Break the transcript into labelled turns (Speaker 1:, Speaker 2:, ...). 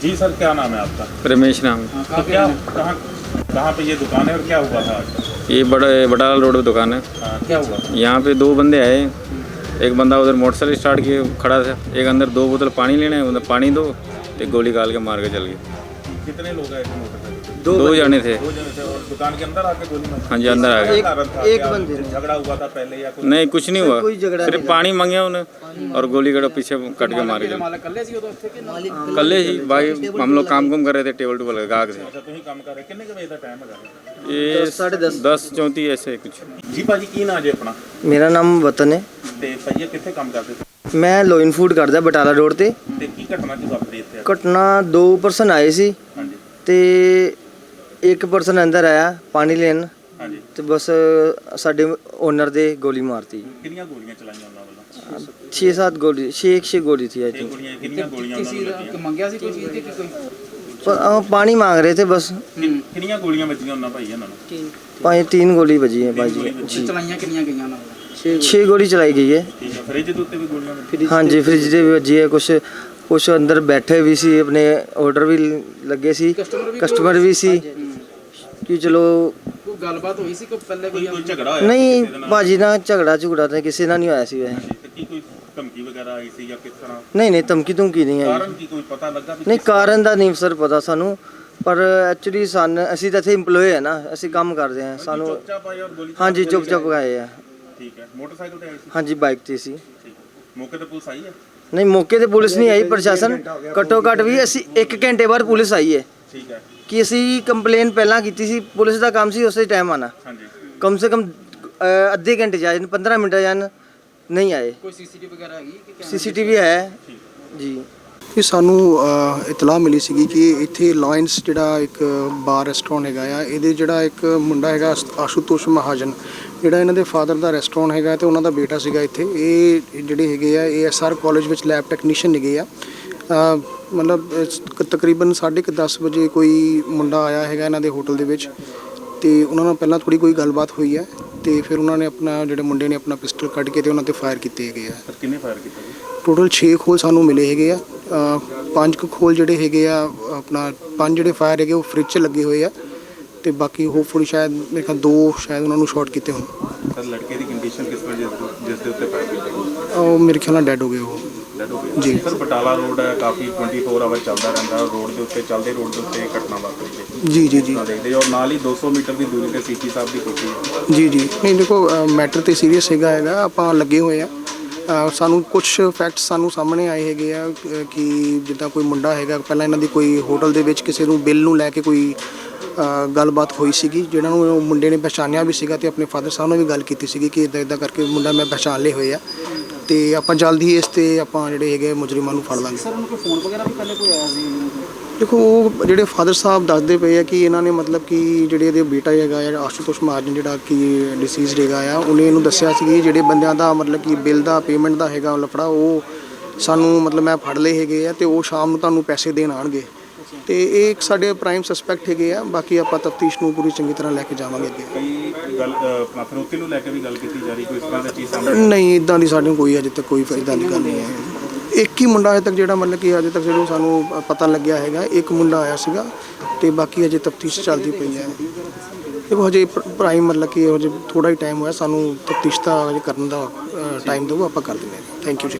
Speaker 1: जी sir, क्या नाम है आपका?
Speaker 2: रमेश नाम है।
Speaker 1: तो क्या कहाँ पे ये दुकान है और क्या हुआ था आज?
Speaker 2: ये बटाला रोड पे दुकान है।
Speaker 1: क्या हुआ?
Speaker 2: यहाँ पे दो बंदे आए, एक बंदा उधर मोटरसाइकिल स्टार्ट किए खड़ा था, एक अंदर 2 बोतल पानी लेने, उधर पानी दो, एक गोली काल के मार के चल गए।
Speaker 1: कितने लोग आए थे मोटरसाइकिल?
Speaker 2: दो जने थे।
Speaker 1: 2 जने थे और दुकान के अंदर आके गोली मारी?
Speaker 2: हाँ जी, अंदर आ गए।
Speaker 1: एक बंदे झगड़ा हुआ था पहले या कुछ?
Speaker 2: नहीं, कुछ नहीं हुआ, सिर्फ पानी मांगे उन्हें और गोली कड़ा पीछे कट के मार के कल्ले ही भाई। हम लोग काम कर रहे थे, टेबल टूबल गाहक थे।
Speaker 1: अच्छा, तुम ही काम कर रहे? कितने के बजे का टाइम है?
Speaker 2: ये 10:34 ऐसे कुछ।
Speaker 1: जी भाजी, की ना जे अपना?
Speaker 3: ਮੇਰਾ ਨਾਮ ਵਤਨ ਹੈ।
Speaker 1: ਤੇ ਭਈਆ ਕਿੱਥੇ ਕੰਮ ਕਰਦੇ ਸੀ
Speaker 3: ਮੈਂ ਲੋਇਨ ਫੂਡ ਕਰਦਾ ਬਟਾਲਾ ਰੋਡ ਤੇ।
Speaker 1: ਤੇ ਕੀ ਘਟਨਾ ਕੀ ਵਾਪਰੀ ਇੱਥੇ?
Speaker 3: ਘਟਨਾ 2 ਪਰਸਨ ਆਏ ਸੀ
Speaker 1: ਹਾਂਜੀ
Speaker 3: ਤੇ ਇੱਕ ਪਰਸਨ ਅੰਦਰ ਆਇਆ ਪਾਣੀ ਲੈਣ
Speaker 1: ਹਾਂਜੀ।
Speaker 3: ਤੇ ਬਸ ਸਾਡੇ ਓਨਰ ਦੇ ਗੋਲੀ ਮਾਰਤੀ।
Speaker 1: ਕਿੰਨੀਆਂ ਗੋਲੀਆਂ ਚਲਾਈਆਂ ਉਹਨਾਂ ਵੱਲੋਂ?
Speaker 3: 6-7 ਗੋਲੀ 6 ਗੋਲੀ ਸੀ ਆਈ
Speaker 1: ਛੇ
Speaker 3: ਥਿੰਕ।
Speaker 1: ਗੋਲੀਆਂ ਕਿੰਨੀਆਂ ਗੋਲੀਆਂ ਉਹਨਾਂ ਨੂੰ ਲੱਗੀਆਂ?
Speaker 4: ਮੰਗਿਆ ਸੀ ਕੋਈ ਚੀਜ਼ ਕਿ ਕੋਈ
Speaker 3: ਪਾਣੀ ਮੰਗ ਰਹੇ थे बस।
Speaker 1: ਕਿੰਨੀਆਂ ਗੋਲੀਆਂ ਵੱਜੀਆਂ ਉਹਨਾਂ ਭਾਈ ਇਹਨਾਂ ਨੂੰ?
Speaker 3: 3 ਗੋਲੀ ਵੱਜੀ ਹੈ ਭਾਈ ਜੀ।
Speaker 4: ਚਲਾਈਆਂ ਕਿੰਨੀਆਂ ਗਈਆਂ ਨਾਲ?
Speaker 3: 6 ਗੋਲੀ ਚਲਾਈ ਗਈ ਹੈ।
Speaker 1: ਠੀਕ ਹੈ। ਫ੍ਰਿਜ ਦੇ ਉੱਤੇ ਵੀ ਗੋਲੀਆਂ ਵੱਜੀਆਂ?
Speaker 3: ਹਾਂਜੀ, ਫ੍ਰਿਜ ਦੇ ਵੀ ਵੱਜੀ ਹੈ। ਕੁਛ ਅੰਦਰ ਬੈਠੇ ਵੀ ਸੀ, ਆਪਣੇ ਆਰਡਰ ਵੀ ਲੱਗੇ ਸੀ, ਕਸਟਮਰ ਵੀ ਸੀ ਕਿ ਚਲੋ।
Speaker 4: ਕੋਈ ਗੱਲਬਾਤ ਹੋਈ ਸੀ ਕੋਈ ਪਹਿਲੇ ਕੋਈ?
Speaker 1: ਕੋਈ ਝਗੜਾ ਹੋਇਆ
Speaker 3: ਨਹੀਂ
Speaker 1: ਕਿਸੇ ਦੇ ਨਾਲ?
Speaker 3: ਭਾਜੀ ਨਾਲ ਝਗੜਾ ਤਾਂ ਕਿਸੇ ਨਾਲ ਨਹੀਂ ਹੋਇਆ ਸੀ ਵੈਸੇ।
Speaker 1: ਤੇ ਕੀ ਕੋਈ ਧਮਕੀ ਵਗੈਰਾ ਆਈ ਸੀ ਜਾਂ ਕਿਸ ਤਰ੍ਹਾਂ?
Speaker 3: ਨਹੀਂ ਧਮਕੀ ਨਹੀਂ ਆਈ।
Speaker 1: ਕਾਰਨ ਕੀ ਕੋਈ ਪਤਾ ਲੱਗਾ ਵੀ
Speaker 3: ਨਹੀਂ, ਕਾਰਨ ਦਾ ਨਹੀਂ ਸਰ ਪਤਾ ਸਾਨੂੰ, ਪਰ ਐਕਚੁਅਲੀ ਅਸੀਂ ਤਾਂ ਇੱਥੇ EMPLOYE ਹੈ ਨਾ, ਅਸੀਂ ਕੰਮ ਕਰਦੇ ਹਾਂ। ਸਾਨੂੰ
Speaker 1: ਚੁੱਪਚਾਪ ਆਏ ਔਰ ਗੋਲੀ?
Speaker 3: ਹਾਂਜੀ, ਚੁੱਪ ਗਏ ਆ।
Speaker 1: ਠੀਕ ਹੈ। ਮੋਟਰਸਾਈਕਲ ਤੇ ਆਏ ਸੀ?
Speaker 3: ਹਾਂਜੀ, ਬਾਈਕ ਤੇ ਸੀ।
Speaker 1: ਠੀਕ ਹੈ। ਮੌਕੇ ਤੇ ਪੁਲਿਸ ਆਈ ਹੈ?
Speaker 3: ਨਹੀਂ, ਮੌਕੇ ਤੇ ਪੁਲਿਸ ਨਹੀਂ ਆਈ, ਪ੍ਰਸ਼ਾਸਨ ਘੱਟੋ ਘੱਟ ਵੀ ਅਸੀਂ 1 ਘੰਟੇ ਬਾਅਦ ਪੁਲਿਸ ਆਈ ਹੈ
Speaker 1: ਠੀਕ ਹੈ।
Speaker 3: ਕਿ ਅਸੀਂ ਕੰਪਲੇਨ ਪਹਿਲਾਂ ਕੀਤੀ ਸੀ। ਪੁਲਿਸ ਦਾ ਕੰਮ ਸੀ ਉਸੇ ਟਾਈਮ ਆਣਾ,
Speaker 1: ਹਾਂਜੀ।
Speaker 3: ਕਮ ਸੇ ਕਮ ਅੱਧੇ ਘੰਟੇ ਜਾਂ 15 ਮਿੰਟ ਜਾਂ ਨਹੀਂ ਆਏ।
Speaker 4: ਕੋਈ ਸੀਸੀਟੀਵੀ ਵਗੈਰਾ ਹੈਗੀ ਕਿ
Speaker 3: CCTV ਹੈ ਜੀ।
Speaker 5: ਇਹ ਸਾਨੂੰ ਇਤਲਾਹ ਮਿਲੀ ਸੀਗੀ ਕਿ ਇੱਥੇ ਲਾਇਨਸ ਜਿਹੜਾ ਇੱਕ ਬਾਰ ਰੈਸਟੋਰੈਂਟ ਹੈਗਾ ਆ, ਇਹਦੇ ਜਿਹੜਾ ਇੱਕ ਮੁੰਡਾ ਹੈਗਾ ਆਸ਼ੂਤੋਸ਼ ਮਹਾਜਨ, ਜਿਹੜਾ ਇਹਨਾਂ ਦੇ ਫਾਦਰ ਦਾ ਰੈਸਟੋਰੈਂਟ ਹੈਗਾ ਤੇ ਉਹਨਾਂ ਦਾ ਬੇਟਾ ਸੀਗਾ ਇੱਥੇ। ਇਹ ਜਿਹੜੇ ਹੈਗੇ ਆ ASR ਕਾਲਜ ਵਿੱਚ ਲੈਬ ਟੈਕਨੀਸ਼ੀਅਨ ਹੈਗੇ ਆ। ਮਤਲਬ ਤਕਰੀਬਨ 10:30 ਵਜੇ ਕੋਈ ਮੁੰਡਾ ਆਇਆ ਹੈਗਾ ਇਹਨਾਂ ਦੇ ਹੋਟਲ ਦੇ ਵਿੱਚ ਤੇ ਉਹਨਾਂ ਨਾਲ ਪਹਿਲਾਂ ਥੋੜੀ ਕੋਈ ਗੱਲਬਾਤ ਹੋਈ ਹੈ ਤੇ ਫਿਰ ਉਹਨਾਂ ਨੇ ਆਪਣਾ ਜਿਹੜੇ ਮੁੰਡੇ ਨੇ ਆਪਣਾ ਪਿਸਟਲ ਕੱਢ ਕੇ ਤੇ ਉਹਨਾਂ ਤੇ ਫਾਇਰ ਕੀਤੇ ਹੈਗੇ ਆ।
Speaker 1: ਸਰ ਕਿੰਨੇ ਫਾਇਰ ਕੀਤਾ ਜੀ?
Speaker 5: ਟੋਟਲ 6 ਖੋਲ ਸਾਨੂੰ ਮਿਲੇ ਹੈਗੇ ਆ। 5 ਖੋਲ ਜਿਹੜੇ ਹੈਗੇ ਆ ਆਪਣਾ 5 ਜਿਹੜੇ ਫਾਇਰ ਹੈਗੇ ਉਹ ਫ੍ਰਿਜ 'ਚ ਲੱਗੇ ਹੋਏ ਆ ਤੇ ਬਾਕੀ ਹੋਪਫੁਲੀ ਸ਼ਾਇਦ ਮੇਰੇ ਖਿਆਲ 2 ਸ਼ਾਇਦ ਉਹਨਾਂ ਨੂੰ ਸ਼ਾਰਟ ਕੀਤੇ ਹੋਣ।
Speaker 1: ਸਰ ਲੜਕੇ ਦੀ ਕੰਡੀਸ਼ਨ ਕਿਸ ਤਰ੍ਹਾਂ ਜਿਸ ਦੇ ਉੱਤੇ ਫਾਇਰ ਕੀਤਾ?
Speaker 5: ਉਹ ਮੇਰੇ ਖਿਆਲ ਨਾਲ ਡੈਡ ਹੋ ਗਏ ਉਹ।
Speaker 1: ਜੀ ਸਰ, ਬਟਾਲਾ ਰੋਡ ਹੈ, ਕਾਫੀ 24 ਆਵਰ ਚੱਲਦਾ ਰਹਿੰਦਾ ਰੋਡ ਦੇ ਉੱਤੇ, ਚੱਲਦੇ ਰੋਡ ਦੇ ਉੱਤੇ ਘਟਨਾ ਵਾਪਰੀ ਹੈ
Speaker 5: ਜੀ
Speaker 1: ਦੇਖਦੇ ਔਰ ਨਾਲ ਹੀ 200 ਮੀਟਰ ਦੀ ਦੂਰੀ ਤੇ CP ਸਾਹਿਬ ਦੀ ਕੋਠੀ ਹੈ।
Speaker 5: ਜੀ ਨਹੀਂ ਦੇਖੋ, ਮੈਟਰ ਤੇ ਸੀਰੀਅਸ ਹੈਗਾ ਆਪਾਂ ਲੱਗੇ ਹੋਏ ਆ। ਸਾਨੂੰ ਕੁਝ ਫੈਕਟਸ ਸਾਨੂੰ ਸਾਹਮਣੇ ਆਏ ਹੈਗੇ ਆ ਕਿ ਜਿੱਦਾਂ ਕੋਈ ਮੁੰਡਾ ਹੈਗਾ ਪਹਿਲਾਂ ਇਹਨਾਂ ਦੀ ਕੋਈ ਹੋਟਲ ਦੇ ਵਿੱਚ ਕਿਸੇ ਨੂੰ ਬਿੱਲ ਨੂੰ ਲੈ ਕੇ ਕੋਈ ਗੱਲਬਾਤ ਹੋਈ ਸੀਗੀ, ਜਿਹਨਾਂ ਨੂੰ ਉਹ ਮੁੰਡੇ ਨੇ ਪਛਾਣਿਆ ਵੀ ਸੀਗਾ ਤੇ ਆਪਣੇ ਫਾਦਰ ਸਾਹਿਬ ਨਾਲ ਵੀ ਗੱਲ ਕੀਤੀ ਸੀਗੀ ਕਿ ਇੱਦਾਂ ਕਰਕੇ ਮੁੰਡਾ ਮੈਂ ਪਛਾਣ ਲਏ ਹੋਏ ਆ ਤੇ ਆਪਾਂ ਜਲਦੀ ਹੀ ਇਸ ਤੇ ਆਪਾਂ ਜਿਹੜੇ ਹੈਗੇ ਮੁਜਰਮਾਂ ਨੂੰ ਫੜ ਲਾਂਗੇ।
Speaker 4: ਸਰ ਉਹਨੂੰ ਕੋਈ ਫੋਨ ਵਗੈਰਾ ਵੀ ਪਹਿਲੇ ਕੋਈ ਆਇਆ ਸੀ?
Speaker 5: ਦੇਖੋ, ਉਹ ਜਿਹੜੇ ਫਾਦਰ ਸਾਹਿਬ ਦੱਸਦੇ ਪਏ ਆ ਕਿ ਇਹਨਾਂ ਨੇ ਮਤਲਬ ਕਿ ਜਿਹੜੇ ਇਹਦੇ ਬੇਟਾ ਹੈਗਾ ਆਸ਼ੂਤੋਸ਼ ਮਹਾਜਨ ਜਿਹੜਾ ਕਿ ਡਿਸੀਜ਼ਡ ਹੈਗਾ ਆ, ਉਹਨੇ ਇਹਨੂੰ ਦੱਸਿਆ ਸੀ ਕਿ ਜਿਹੜੇ ਬੰਦਿਆਂ ਦਾ ਮਤਲਬ ਕਿ ਬਿੱਲ ਦਾ ਪੇਮੈਂਟ ਦਾ ਹੈਗਾ ਲਫੜਾ, ਉਹ ਸਾਨੂੰ ਮਤਲਬ ਮੈਂ ਫੜ ਲਏ ਹੈਗੇ ਆ ਤੇ ਉਹ ਸ਼ਾਮ ਨੂੰ ਤੁਹਾਨੂੰ ਪੈਸੇ ਦੇਣ ਆਉਣਗੇ ਤੇ ਇਹ ਇੱਕ ਸਾਡੇ ਪ੍ਰਾਈਮ ਸਸਪੈਕਟ ਹੈਗੇ ਆ। ਬਾਕੀ ਆਪਾਂ ਤਫਤੀਸ਼ ਨੂੰ ਪੂਰੀ ਚੰਗੀ ਤਰ੍ਹਾਂ ਲੈ ਕੇ ਜਾਵਾਂਗੇ ਅੱਗੇ।
Speaker 1: ਕਈ ਗੱਲ ਆਪਣਾ ਫਰੋਤੀ ਨੂੰ ਲੈ ਕੇ ਵੀ ਗੱਲ ਕੀਤੀ ਜਾ ਰਹੀ, ਕੋਈ ਇਸ ਤਰ੍ਹਾਂ ਦੀ ਚੀਜ਼ ਸਾਹਮਣੇ?
Speaker 5: ਨਹੀਂ, ਇਦਾਂ ਦੀ ਸਾਡੇ ਕੋਈ ਅਜੇ ਤੱਕ ਕੋਈ ਇੱਦਾਂ ਦੀ ਗੱਲ ਨਹੀਂ ਹੈ। ਇੱਕ ਹੀ ਮੁੰਡਾ ਅਜੇ ਤੱਕ ਜਿਹੜਾ ਮਤਲਬ ਕਿ ਅਜੇ ਤੱਕ ਜਿਹੜਾ ਸਾਨੂੰ ਪਤਾ ਲੱਗਿਆ ਹੈਗਾ, ਇੱਕ ਮੁੰਡਾ ਆਇਆ ਸੀਗਾ ਤੇ ਬਾਕੀ ਅਜੇ ਤਫਤੀਸ਼ ਚੱਲਦੀ ਪਈ ਹੈ। ਦੇਖੋ ਹਜੇ ਪ੍ਰਾਈਮ ਮਤਲਬ ਕਿ ਹਜੇ ਥੋੜਾ ਹੀ ਟਾਈਮ ਹੋਇਆ, ਸਾਨੂੰ ਤਫਤੀਸ਼ ਦਾ ਕਰਨ ਦਾ ਟਾਈਮ ਦਿਓ, ਆਪਾਂ ਕਰ ਦਿੰਦੇ ਹਾਂ। ਥੈਂਕ ਯੂ ਜੀ।